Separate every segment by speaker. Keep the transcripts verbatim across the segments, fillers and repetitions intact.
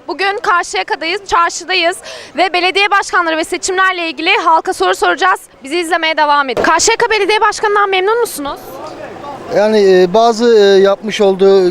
Speaker 1: Bugün Karşıyaka'dayız, çarşıdayız ve belediye başkanları ve seçimlerle ilgili halka soru soracağız. Bizi izlemeye devam edin. Karşıyaka Belediye Başkanı'ndan memnun musunuz?
Speaker 2: Yani e, bazı e, yapmış olduğu e,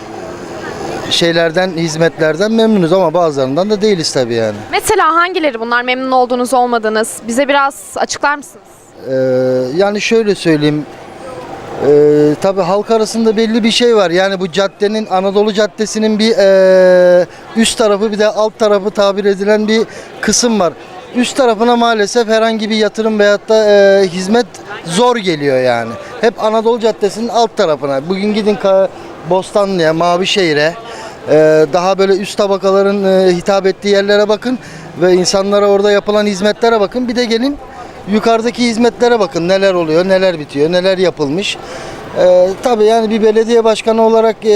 Speaker 2: şeylerden, hizmetlerden memnunuz ama bazılarından da değiliz tabii yani.
Speaker 1: Mesela hangileri bunlar, memnun olduğunuz, olmadığınız? Bize biraz açıklar mısınız?
Speaker 2: Ee, yani şöyle söyleyeyim, e, tabii halk arasında belli bir şey var. Yani bu caddenin, Anadolu Caddesi'nin bir e, üst tarafı bir de alt tarafı tabir edilen bir kısım var. Üst tarafına maalesef herhangi bir yatırım veyahut da e, hizmet zor geliyor yani. Hep Anadolu Caddesi'nin alt tarafına. Bugün gidin Ka- Bostanlı'ya, Mavişehir'e, e, daha böyle üst tabakaların e, hitap ettiği yerlere bakın ve insanlara orada yapılan hizmetlere bakın. Bir de gelin yukarıdaki hizmetlere bakın, neler oluyor, neler bitiyor, neler yapılmış. Ee, tabii yani bir belediye başkanı olarak e,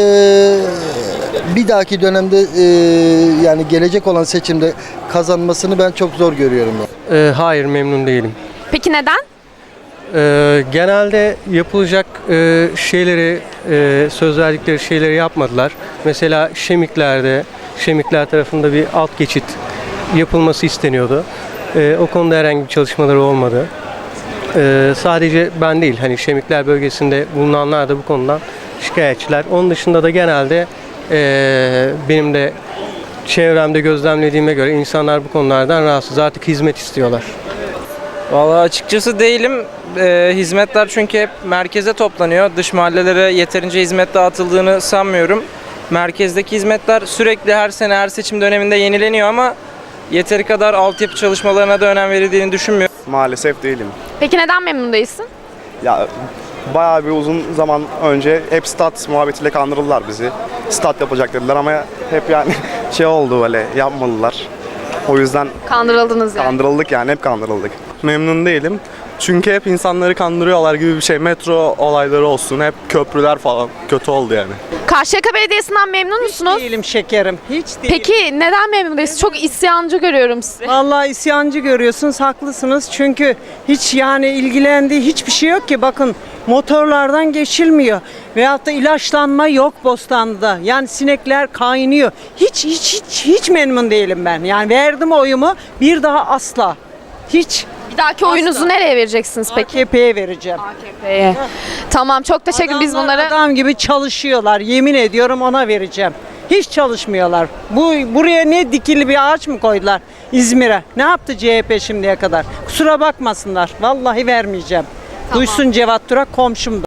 Speaker 2: bir dahaki dönemde e, yani gelecek olan seçimde kazanmasını ben çok zor görüyorum. Yani.
Speaker 3: Ee, hayır, memnun değilim.
Speaker 1: Peki neden?
Speaker 3: Ee, genelde yapılacak e, şeyleri, e, söz verdikleri şeyleri yapmadılar. Mesela Şemikler'de, Şemikler tarafında bir alt geçit yapılması isteniyordu. Ee, o konuda herhangi bir çalışmaları olmadı. Ee, sadece ben değil, hani Şemikler bölgesinde bulunanlar da bu konudan şikayetçiler. Onun dışında da genelde e, benim de çevremde gözlemlediğime göre insanlar bu konulardan rahatsız. Artık hizmet istiyorlar.
Speaker 4: Vallahi açıkçası değilim. Ee, hizmetler çünkü hep merkeze toplanıyor. Dış mahallelere yeterince hizmet dağıtıldığını sanmıyorum. Merkezdeki hizmetler sürekli her sene her seçim döneminde yenileniyor ama yeteri kadar altyapı çalışmalarına da önem verildiğini düşünmüyorum.
Speaker 5: Maalesef değilim.
Speaker 1: Peki neden memnun değilsin?
Speaker 5: Ya bayağı bir uzun zaman önce hep stat muhabbetiyle kandırdılar bizi. Stat yapacak dediler ama hep yani şey oldu böyle yapmadılar. O yüzden
Speaker 1: Kandırıldınız yani.
Speaker 5: kandırıldık yani hep kandırıldık. Memnun değilim. Çünkü hep insanları kandırıyorlar gibi bir şey. Metro olayları olsun, hep köprüler falan kötü oldu yani.
Speaker 1: Karşıyaka Belediyesi'nden memnun musunuz?
Speaker 6: Değilim şekerim. Hiç değilim.
Speaker 1: Peki neden memnun değilsiniz? Çok isyancı görüyorum sizi.
Speaker 6: Vallahi isyancı görüyorsunuz, haklısınız. Çünkü hiç yani ilgilendiği hiçbir şey yok ki. Bakın motorlardan geçilmiyor. Veyahut da ilaçlanma yok Bostanlı'da. Yani sinekler kaynıyor. Hiç hiç hiç hiç memnun değilim ben. Yani verdim oyumu, bir daha asla. Hiç.
Speaker 1: Bir dahaki oyunuzu nereye vereceksiniz peki?
Speaker 6: A K P'ye vereceğim.
Speaker 1: A K P'ye. Tamam, çok teşekkür Biz
Speaker 6: Adamlar
Speaker 1: bunları
Speaker 6: adam gibi çalışıyorlar. Yemin ediyorum ona vereceğim. Hiç çalışmıyorlar. Bu buraya ne dikili bir ağaç mı koydular İzmir'e? Ne yaptı C H P şimdiye kadar? Kusura bakmasınlar. Vallahi vermeyeceğim. Duysun Cevat Durak komşum da.